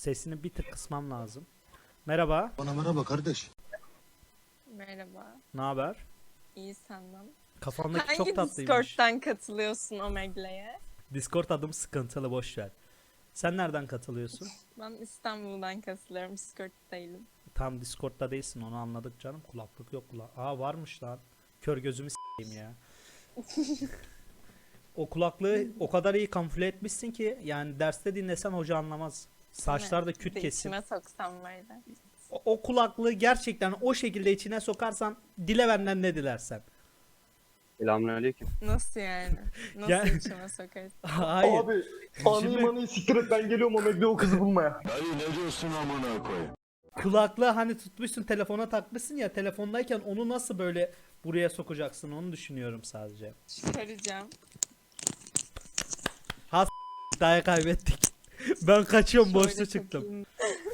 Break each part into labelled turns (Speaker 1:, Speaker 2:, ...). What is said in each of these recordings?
Speaker 1: Sesini bir tık kısmam lazım. Merhaba.
Speaker 2: Bana merhaba kardeş.
Speaker 3: Merhaba.
Speaker 1: Ne haber?
Speaker 3: İyi senden.
Speaker 1: Kafamdaki
Speaker 3: Hangi
Speaker 1: çok tatlıymış.
Speaker 3: Discord'dan katılıyorsun Omegle'ye?
Speaker 1: Discord adım sıkıntılı, boş ver. Sen nereden katılıyorsun?
Speaker 3: Ben İstanbul'dan katılıyorum. Discord değilim.
Speaker 1: Tam Discord'da değilsin, onu anladık canım. Kulaklık yok Aa, varmış lan. Kör gözümü s**eyim ya. O kulaklığı o kadar iyi kamufle etmişsin ki yani derste dinlesen hoca anlamaz. Saçlar da küt kesim.
Speaker 3: İçime soksam böyle.
Speaker 1: O kulaklığı gerçekten o şekilde içine sokarsan dile benden ne dilersen.
Speaker 4: Selamünaleyküm.
Speaker 3: Nasıl yani? Nasıl
Speaker 1: Ya-
Speaker 3: içime sokarsın?
Speaker 1: Hayır.
Speaker 2: Abi
Speaker 1: Şimdi-
Speaker 2: anıyı manıyı siktir et, ben geliyorum Omegle o kızı bulmaya.
Speaker 1: Kulaklığı hani tutmuşsun, telefona takmışsın ya, telefondayken onu nasıl böyle buraya sokacaksın onu düşünüyorum sadece.
Speaker 3: Çıkaracağım.
Speaker 1: Daha kaybettik. Ben kaçıyorum,
Speaker 3: Şöyle
Speaker 1: boşta çıktım.
Speaker 3: takayım.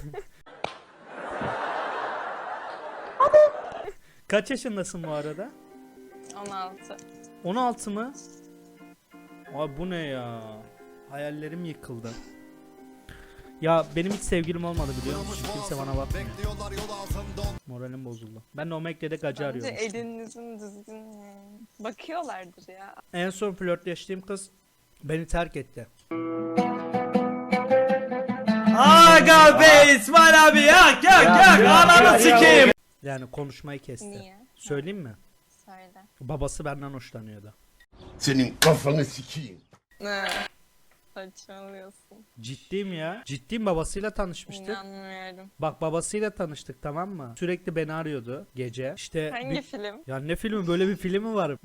Speaker 1: Kaç yaşındasın bu arada?
Speaker 3: 16.
Speaker 1: 16 mı? Abi bu ne ya? Hayallerim yıkıldı. Ya benim hiç sevgilim olmadı biliyor musun? Kimse bana bakmıyor. Moralim bozuldu. Ben de Omegle'de gacı
Speaker 3: Bence
Speaker 1: arıyorum işte.
Speaker 3: elinizin düzgün yani. Bakıyorlardır ya.
Speaker 1: En son flörtleştiğim kız beni terk etti.
Speaker 5: Aga be İsmail abi yak ananı sikeyim.
Speaker 1: Yani konuşmayı kesti.
Speaker 3: Niye?
Speaker 1: Söyleyeyim mi?
Speaker 3: Söyle.
Speaker 1: Babası benden hoşlanıyordu.
Speaker 2: Senin kafanı sikeyim.
Speaker 3: Ne? Saçmalıyorsun.
Speaker 1: Ciddiyim ya. Ciddiyim, babasıyla tanışmıştık.
Speaker 3: İnanmıyorum.
Speaker 1: Bak babasıyla tanıştık, tamam mı? Sürekli beni arıyordu gece. İşte
Speaker 3: Hangi film?
Speaker 1: Ya ne filmi, böyle bir film mi var?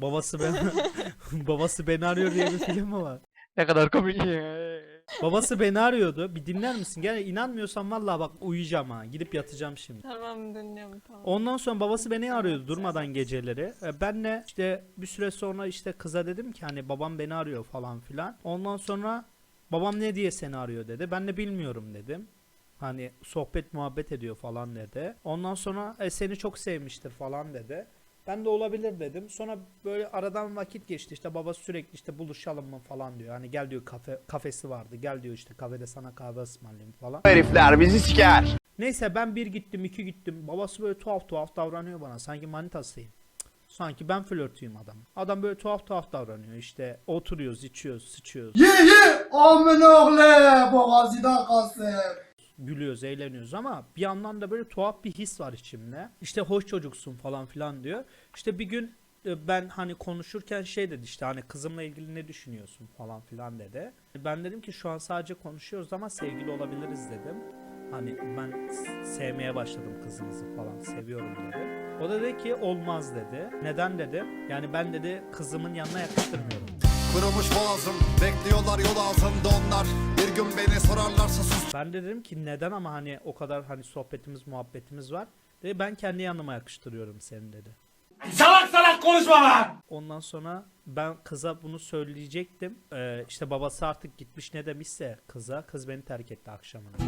Speaker 1: Babası beni arıyor diye bir film mi var?
Speaker 4: Ne kadar komik.
Speaker 1: Babası beni arıyordu. Bir dinler misin? Gel, inanmıyorsan vallahi bak uyuyacağım ha. Gidip yatacağım şimdi.
Speaker 3: Tamam dinliyorum tamam.
Speaker 1: Ondan sonra babası beni arıyordu durmadan geceleri. Ben de işte bir süre sonra işte kıza dedim ki hani babam beni arıyor falan filan. Ondan sonra babam ne diye seni arıyor dedi. Ben de bilmiyorum dedim. Hani sohbet muhabbet ediyor falan dedi. Ondan sonra seni çok sevmiştir falan dedi. Ben de olabilir dedim. Sonra böyle aradan vakit geçti. İşte babası sürekli işte buluşalım mı falan diyor. Hani gel diyor, kafesi vardı. Gel diyor işte kafede sana kahve ısmarlayayım falan.
Speaker 4: Herifler bizi siker.
Speaker 1: Neyse ben bir gittim, iki gittim. Babası böyle tuhaf tuhaf davranıyor bana. Sanki manitasıyım. Sanki ben flörtüyüm adam. Adam böyle tuhaf tuhaf davranıyor. İşte oturuyoruz, içiyoruz, sıçıyoruz.
Speaker 2: Amin oğle boğazıdan kalsın.
Speaker 1: Gülüyoruz, eğleniyoruz ama bir yandan da böyle tuhaf bir his var içimde. İşte hoş çocuksun falan filan diyor. İşte bir gün ben hani konuşurken şey dedi, işte hani kızımla ilgili ne düşünüyorsun falan filan dedi. Ben dedim ki şu an sadece konuşuyoruz ama sevgili olabiliriz dedim. Hani ben sevmeye başladım kızınızı falan, seviyorum dedi. O da dedi ki olmaz dedi. Neden dedi? Yani ben dedi kızımın yanına yakıştırmıyorum.
Speaker 6: Kırılmış boğazım, bekliyorlar yol altında onlar. Bir gün beni sorarlarsa sus.
Speaker 1: Ben de dedim ki neden, ama hani o kadar hani sohbetimiz muhabbetimiz var. Dedi ben kendi yanıma yakıştırıyorum seni dedi.
Speaker 5: Salak salak konuşma lan.
Speaker 1: Ondan sonra ben kıza bunu söyleyecektim. İşte babası artık gitmiş, ne demişse kıza, kız beni terk etti akşamına.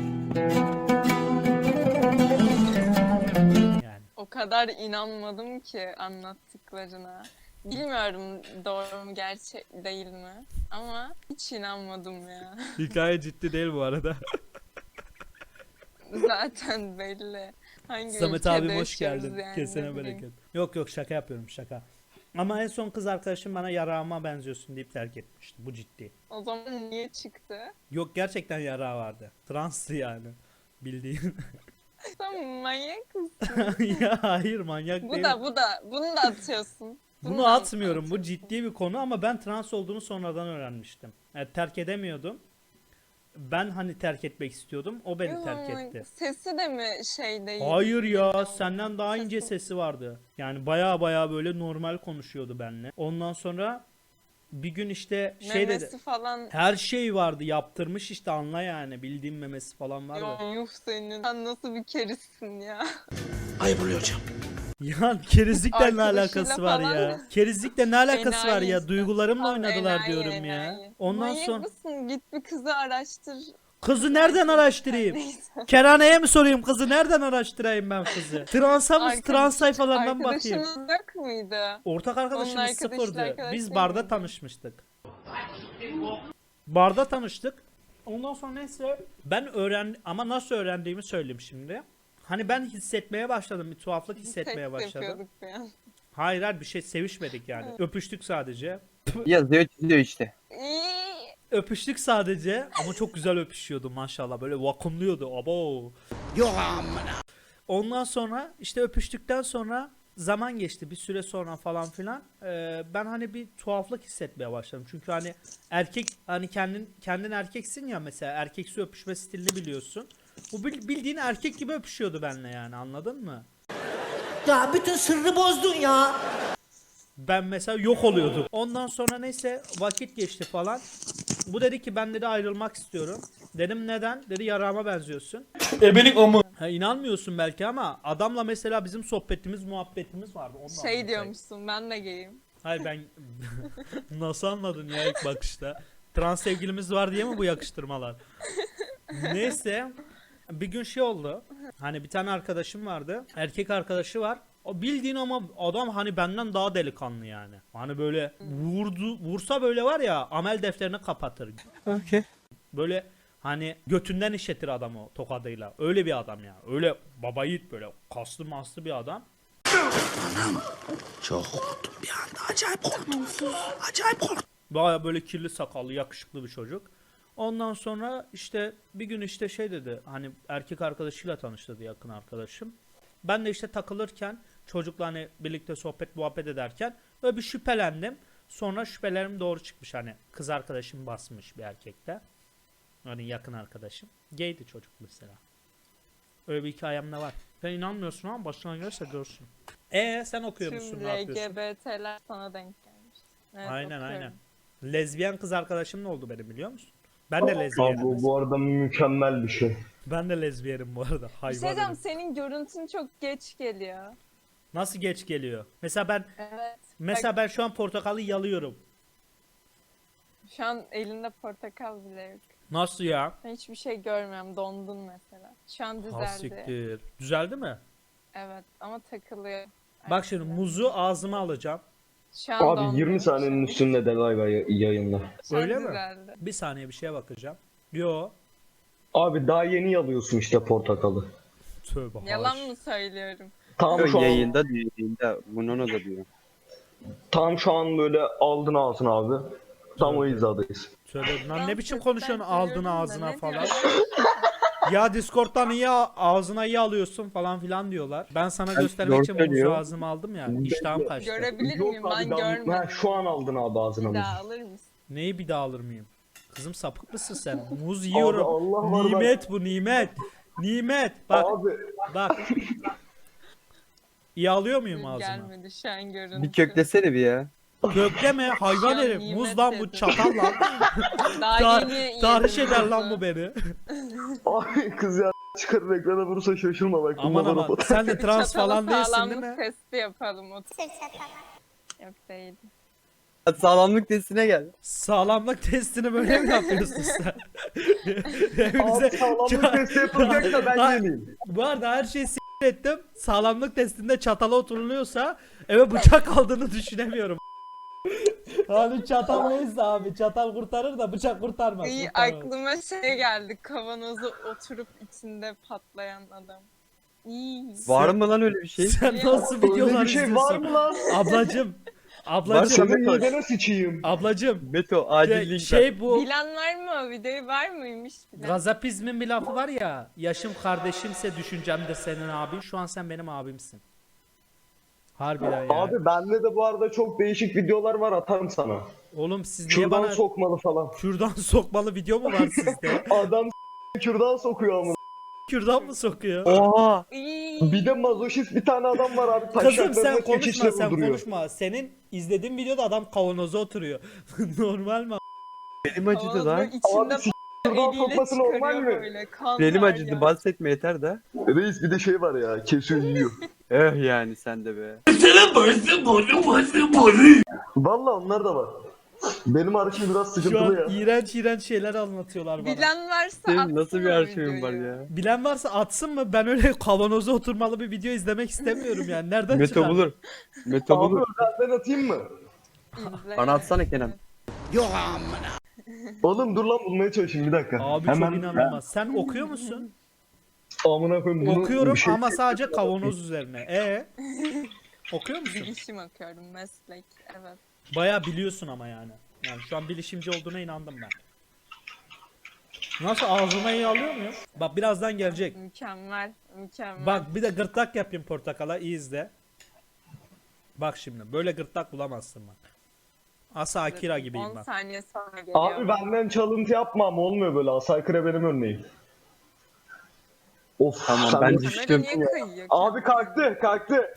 Speaker 1: Yani.
Speaker 3: O kadar inanmadım ki anlattıklarına. Bilmiyorum doğru mu gerçek değil mi? Ama hiç inanmadım ya.
Speaker 1: Hikaye ciddi değil bu arada.
Speaker 3: Zaten belli. Hangi
Speaker 1: Samet
Speaker 3: ülkede
Speaker 1: abim hoş
Speaker 3: yaşıyoruz
Speaker 1: geldin.
Speaker 3: yani,
Speaker 1: Kesene
Speaker 3: ne bileyim.
Speaker 1: bereket. Yok şaka yapıyorum, şaka. Ama en son kız arkadaşım bana yarağıma benziyorsun deyip terk etmişti. Bu ciddi.
Speaker 3: O zaman niye çıktı?
Speaker 1: Yok gerçekten yarağı vardı. Transtı yani. Bildiğin.
Speaker 3: Sen manyak mısın?
Speaker 1: Ya hayır, manyak
Speaker 3: Bu
Speaker 1: değil.
Speaker 3: da bunu da atıyorsun.
Speaker 1: Bunu
Speaker 3: da
Speaker 1: atmıyorum. Bu ciddi bir konu ama ben trans olduğunu sonradan öğrenmiştim. Yani terk edemiyordum. Ben hani terk etmek istiyordum. O beni
Speaker 3: Yok,
Speaker 1: terk etti.
Speaker 3: Sesi de mi şey değil?
Speaker 1: Hayır ya,
Speaker 3: Bilmiyorum.
Speaker 1: senden daha ince sesi vardı. Yani baya baya böyle normal konuşuyordu benimle. Ondan sonra bir gün işte şey dedi.
Speaker 3: Memesi falan.
Speaker 1: Her şey vardı, yaptırmış işte, anla yani. Bildiğim memesi falan vardı.
Speaker 3: Yo, yuh senin. Sen nasıl bir kerizsin ya?
Speaker 2: Ayıp oluyor hocam.
Speaker 1: Ya kerizlikle ne
Speaker 3: Arkadaşıyla
Speaker 1: alakası var
Speaker 3: falan.
Speaker 1: ya? Kerizlikle ne alakası var
Speaker 3: Enayi
Speaker 1: ya?
Speaker 3: işte.
Speaker 1: Duygularımla
Speaker 3: Tam
Speaker 1: oynadılar
Speaker 3: enayi,
Speaker 1: diyorum ya.
Speaker 3: enayi.
Speaker 1: Ondan
Speaker 3: Manyak
Speaker 1: sonra
Speaker 3: mısın? Git bir kızı araştır.
Speaker 1: kızı nereden araştırayım?
Speaker 3: Neyse.
Speaker 1: Kerhaneye mi sorayım kızı? Nereden araştırayım ben kızı? Transa mı? Trans sayfalarından bakayım.
Speaker 3: Arkadaşınız yok muydu?
Speaker 1: Ortak arkadaşımız
Speaker 3: Onun arkadaşıyla
Speaker 1: sıfırdı.
Speaker 3: arkadaş
Speaker 1: Biz
Speaker 3: değil
Speaker 1: barda
Speaker 3: miydi?
Speaker 1: tanışmıştık. Barda tanıştık. Ondan sonra neyse ben ama nasıl öğrendiğimi söyleyeyim şimdi. Hani ben hissetmeye başladım, bir tuhaflık hissetmeye
Speaker 3: Seks
Speaker 1: başladım.
Speaker 3: yapıyorduk bir an.
Speaker 1: Hayır bir şey sevişmedik yani. Öpüştük sadece.
Speaker 4: Yazıyor çiziyor işte.
Speaker 3: İyi.
Speaker 1: Öpüştük sadece ama çok güzel öpüşüyordu maşallah. Böyle vakumluyordu. Abo.
Speaker 2: Yok amına.
Speaker 1: Ondan sonra işte öpüştükten sonra zaman geçti bir süre sonra falan filan. Ben hani bir tuhaflık hissetmeye başladım. Çünkü hani erkek hani kendin erkeksin ya, mesela erkeksi öpüşme stilini biliyorsun. Bu bildiğin erkek gibi öpüşüyordu benimle yani, anladın mı?
Speaker 5: Ya bütün sırrı bozdun ya.
Speaker 1: Ben mesela yok oluyordum. Ondan sonra neyse vakit geçti falan. Bu dedi ki ben dedi ayrılmak istiyorum. Dedim neden? Dedi yarağıma benziyorsun.
Speaker 5: Ebelik o mu?
Speaker 1: Ha, inanmıyorsun belki ama adamla mesela bizim sohbetimiz muhabbetimiz vardı. Ondan
Speaker 3: Şey diyormuşsun, ben de gayim.
Speaker 1: Hayır ben nasıl anladın ya ilk bakışta? Trans sevgilimiz var diye mi bu yakıştırmalar? Neyse bir gün şey oldu. Hani bir tane arkadaşım vardı. Erkek arkadaşı var. O bildiğin ama adam hani benden daha delikanlı yani. Hani böyle vursa böyle var ya amel defterini kapatır.
Speaker 4: Okey.
Speaker 1: Böyle hani götünden işletir adamı tokadıyla. Öyle bir adam ya. Öyle baba yiğit böyle kaslı maslı bir adam.
Speaker 2: Çok korktum bir anda. Acayip korktum. Acayip korktum.
Speaker 1: Baya böyle kirli sakallı yakışıklı bir çocuk. Ondan sonra işte bir gün işte şey dedi, hani erkek arkadaşıyla tanıştırdı, yakın arkadaşım. Ben de işte takılırken çocukla hani birlikte sohbet muhabbet ederken böyle bir şüphelendim. Sonra şüphelerim doğru çıkmış, hani kız arkadaşım basmış bir erkekte. Hani yakın arkadaşım. Gaydi çocuk mesela. Öyle bir hikayem de var. Sen inanmıyorsun ama başına gelirse görsün. Sen okuyor musun,
Speaker 3: Tüm
Speaker 1: ne yapıyorsun?
Speaker 3: LGBT'ler sana denk gelmiş. Evet,
Speaker 1: Aynen
Speaker 3: okuyorum.
Speaker 1: aynen. Lezbiyen kız arkadaşım ne oldu benim, biliyor musun? Ben de lezbiyenim.
Speaker 2: Abi bu arada mükemmel bir şey.
Speaker 1: Ben de lezbiyenim bu arada.
Speaker 3: Bir
Speaker 1: Hayvan
Speaker 3: şey diyeceğim,
Speaker 1: herif.
Speaker 3: senin görüntün çok geç geliyor.
Speaker 1: Nasıl geç geliyor?
Speaker 3: Evet.
Speaker 1: Mesela ben şu an portakalı yalıyorum.
Speaker 3: Şu an elinde portakal bile yok.
Speaker 1: Nasıl ya?
Speaker 3: Ben hiçbir şey görmüyorum. Dondun mesela. Şu an
Speaker 1: Ha
Speaker 3: düzeldi.
Speaker 1: siktir. Düzeldi mi?
Speaker 3: Evet ama takılıyor.
Speaker 1: Bak şimdi muzu ağzıma alacağım.
Speaker 3: Şu an dondum.
Speaker 2: Abi 20 saniyenin üstünde de live yayınla.
Speaker 3: Şu an
Speaker 1: Öyle mi?
Speaker 3: düzeldi.
Speaker 1: Bir saniye bir şeye bakacağım. Yo.
Speaker 2: Abi daha yeni yalıyorsun işte portakalı.
Speaker 1: Tövbe
Speaker 3: Yalan
Speaker 1: haş.
Speaker 3: mı söylüyorum?
Speaker 2: Tam şu an,
Speaker 4: Yayında diyor, yayında. Bunun da diyor.
Speaker 2: tam şu an böyle aldın ağzına abi. Tam o hizadayız.
Speaker 1: Tövbe. Lan ne
Speaker 3: Ben
Speaker 1: biçim
Speaker 3: sesten
Speaker 1: konuşuyorsun aldın
Speaker 3: duyuyorum da
Speaker 1: ağzına
Speaker 3: ne
Speaker 1: falan.
Speaker 3: diyorsun?
Speaker 1: Ya Discord'dan iyi ağzına iyi alıyorsun falan filan diyorlar. Ben sana
Speaker 4: Ben
Speaker 1: göstermek
Speaker 4: doğru
Speaker 1: için muzu
Speaker 4: söylüyor.
Speaker 1: ağzıma aldım ya. İştahım kaçtı.
Speaker 3: Görebilir
Speaker 2: Yok
Speaker 3: miyim?
Speaker 2: abi,
Speaker 3: Ben
Speaker 2: daha-
Speaker 3: görmedim.
Speaker 2: Ha, şu an aldın abi ağzına
Speaker 3: Bir
Speaker 2: mı?
Speaker 3: daha alır mısın?
Speaker 1: Neyi bir daha alır mıyım? Kızım sapık mısın sen? Muz yiyorum.
Speaker 2: Allah var,
Speaker 1: Nimet bu nimet. Nimet. Bak
Speaker 2: Abi
Speaker 1: bak. İyi alıyor muyum ağzıma?
Speaker 3: Gelmedi şu an görüntü.
Speaker 4: Bir köklesene bir ya.
Speaker 1: Kökleme hayvan
Speaker 3: Şu an
Speaker 1: herif.
Speaker 3: nimet
Speaker 1: Muz lan bu
Speaker 3: dedim.
Speaker 1: çatal lan.
Speaker 3: Daha yeni yedim
Speaker 1: Tahriş eder lan
Speaker 3: muzu.
Speaker 1: bu beni.
Speaker 2: Abi kız ya çıkarır ekrana vurursa şaşırma bak.
Speaker 1: Aman
Speaker 2: bunlar
Speaker 1: aman
Speaker 2: bana-
Speaker 1: sen de trans
Speaker 3: Çatalı
Speaker 1: falan değilsin değil
Speaker 3: sağlamlık
Speaker 1: mi?
Speaker 3: testi yapalım. Yok değil.
Speaker 4: Sağlamlık testine gel.
Speaker 1: Sağlamlık testini böyle mi yapıyorsun sen?
Speaker 2: Abi
Speaker 1: Hepimize...
Speaker 2: sağlamlık testi yapılacak da ben
Speaker 1: Hayır.
Speaker 2: yemeyeyim.
Speaker 1: Bu arada her şeyi ettim. Sağlamlık testinde çatala oturuluyorsa eve bıçak aldığını düşünemiyorum. Hani çatal neyse abi, çatal kurtarır da bıçak kurtarmaz.
Speaker 3: İyi,
Speaker 1: kurtarmaz.
Speaker 3: aklıma şey geldi. Kavanozu oturup içinde patlayan adam. İyi.
Speaker 4: Var mı lan öyle bir şey?
Speaker 1: Sen nasıl videolar
Speaker 2: Öyle bir şey
Speaker 1: izliyorsun?
Speaker 2: var mı lan?
Speaker 1: Ablacım.
Speaker 4: Varsa
Speaker 1: Ablacım.
Speaker 2: Senin
Speaker 4: Meto.
Speaker 2: midene sıçayım.
Speaker 1: Ablacım.
Speaker 4: Meto acil link ver.
Speaker 1: Şey bu.
Speaker 3: Bilen var mı o videoyu? Var mıymış bilen?
Speaker 1: Gazapizmin bir lafı var ya. Yaşım kardeşimse düşüncemdir senin abin. Şu an sen benim abimsin. Harbiden ya.
Speaker 2: Abi bende de bu arada çok değişik videolar var, atarım sana.
Speaker 1: Oğlum siz niye
Speaker 2: Kürdan
Speaker 1: bana
Speaker 2: sokmalı falan.
Speaker 1: kürdan sokmalı video mu var sizde?
Speaker 2: Adam kürdan sokuyor ama.
Speaker 1: Kürdan mı sokuyor?
Speaker 4: Oha.
Speaker 3: İyi.
Speaker 2: Bir de mazoşist bir tane adam var abi.
Speaker 1: Kızım
Speaker 2: taşaklarına
Speaker 1: sen konuşma
Speaker 2: çekiçle
Speaker 1: sen
Speaker 2: vurduruyor.
Speaker 1: konuşma. Senin izlediğin videoda adam kavanoza oturuyor. Normal mi?
Speaker 4: Benim acıdı
Speaker 3: Kavanozu
Speaker 4: lan.
Speaker 3: içinde
Speaker 2: Abi kürdan
Speaker 3: eliyle
Speaker 2: sokması normal
Speaker 3: çıkarıyor
Speaker 2: mi?
Speaker 3: böyle. Kan
Speaker 4: Benim
Speaker 3: var
Speaker 4: acıdı
Speaker 3: ya.
Speaker 4: bahsetme yeter de.
Speaker 2: Reis bir de şey var ya, kesiyor yiyor.
Speaker 4: Yani sen de be.
Speaker 2: Valla onlar da var. Benim arşiv biraz
Speaker 1: Şu
Speaker 2: sıkıntılı
Speaker 1: an
Speaker 2: ya.
Speaker 1: iğrenç iğrenç şeyler anlatıyorlar bana.
Speaker 3: Bilen varsa
Speaker 4: Senin
Speaker 3: atsın
Speaker 4: nasıl bir
Speaker 3: o
Speaker 4: arşivin var
Speaker 3: videoyu.
Speaker 4: ya?
Speaker 1: Bilen varsa atsın mı? Ben öyle kavanoza oturmalı bir video izlemek istemiyorum yani. Nereden
Speaker 4: Meto
Speaker 1: çıkar?
Speaker 4: bulur. Meto
Speaker 2: Abi
Speaker 4: bulur.
Speaker 2: özelden atayım mı?
Speaker 3: İzle.
Speaker 4: Bana atsana Kenan.
Speaker 2: Yok amına. Oğlum dur lan bulmaya çalışayım bir dakika.
Speaker 1: Abi
Speaker 2: Hemen
Speaker 1: çok inanılmaz. Sen okuyor musun?
Speaker 2: amına koyayım bunu
Speaker 1: Okuyorum
Speaker 2: bir şey-
Speaker 1: ama sadece kavanoz üzerine. Okuyor musun?
Speaker 3: Bilişim okuyorum, meslek. Evet.
Speaker 1: Bayağı biliyorsun ama yani. Yani şu an bilişimci olduğuna inandım ben. Nasıl ağzıma iyi alıyor muyum? Bak birazdan gelecek.
Speaker 3: Mükemmel. Mükemmel.
Speaker 1: Bak bir de gırtlak yapayım portakala, iyi izle. Bak şimdi böyle gırtlak bulamazsın bak. Asa Akira gibiyim
Speaker 3: 10
Speaker 1: bak.
Speaker 3: saniye sonra geliyor.
Speaker 2: Abi benden çalıntı yapma ama olmuyor böyle. Asaykırı benim örneğim. Of
Speaker 4: Tamam,
Speaker 2: sen
Speaker 4: ben
Speaker 2: de-
Speaker 4: düştüm.
Speaker 3: Kamera niye kayıyor?
Speaker 2: Abi kalktı.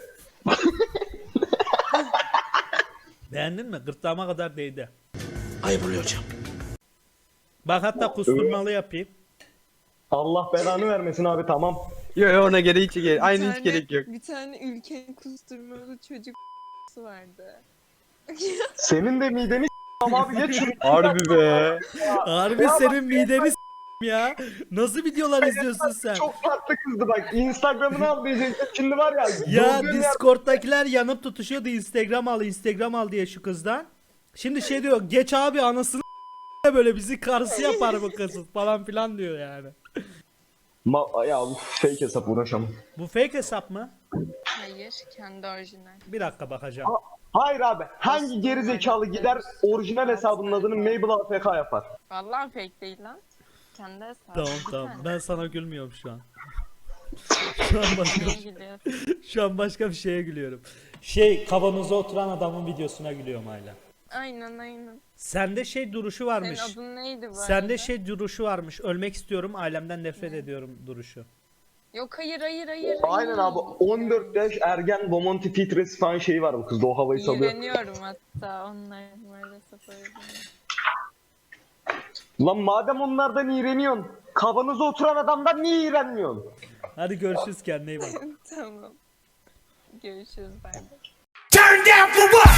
Speaker 1: Beğendin mi? Gırtlağıma kadar değdi.
Speaker 5: Ayıp oluyor hocam.
Speaker 1: Bak hatta kusturmalı yapayım.
Speaker 2: Allah belanı vermesin abi tamam.
Speaker 4: Yok ona gerek hiç gerek.
Speaker 3: Bir
Speaker 4: Aynı hiç
Speaker 3: tane-
Speaker 4: gerek yok.
Speaker 3: Bir tane ülkenin kusturmalı çocuk vardı.
Speaker 2: Senin de mideni s**am abi geç şunu.
Speaker 4: Harbi be.
Speaker 1: Harbi senin mideni ya. Nasıl videolar izliyorsun sen?
Speaker 2: Çok tatlı kızdı bak. Instagram'ını al diyecektim. Şimdi var ya.
Speaker 1: Ya
Speaker 2: gördüğün yer-
Speaker 1: Discord'dakiler yanıp tutuşuyordu Instagram al diye şu kızdan. Şimdi şey diyor, geç abi anasını böyle bizi karısı yapar bu kız falan filan diyor yani.
Speaker 2: Ya bu fake hesap uğraşamam.
Speaker 1: Bu fake hesap mı?
Speaker 3: Hayır, kendi orijinal.
Speaker 1: Bir dakika bakacağım.
Speaker 2: Hayır abi. Hangi geri zekalı gider orijinal hesabının adını Mabel AFK yapar?
Speaker 3: Vallahi fake değil lan. Kendi hesabı.
Speaker 1: Tamam
Speaker 3: Bir
Speaker 1: tamam.
Speaker 3: tane.
Speaker 1: Ben sana gülmüyorum şu an.
Speaker 3: Neye gülüyorsun?
Speaker 1: Şu an başka bir şeye gülüyorum. Kavanoza oturan adamın videosuna gülüyorum hala.
Speaker 3: Aynen.
Speaker 1: Sende duruşu
Speaker 3: Senin
Speaker 1: varmış.
Speaker 3: adın neydi bu
Speaker 1: Sende
Speaker 3: arada?
Speaker 1: duruşu varmış. Ölmek istiyorum, ailemden nefret ediyorum duruşu.
Speaker 3: Yok hayır.
Speaker 2: Aynen abi. 14 yaş ergen Bomonti filtresi falan şeyi var bu kızda. O havayı salıyor.
Speaker 3: İğreniyorum hatta onların maalesef öyle.
Speaker 2: Lan madem onlardan iğreniyorsun. Kavanoza oturan adamdan niye iğrenmiyorsun?
Speaker 1: Hadi görüşürüz, kendine iyi bak.
Speaker 3: Tamam. Görüşürüz, bay bay.
Speaker 5: Turn down for what?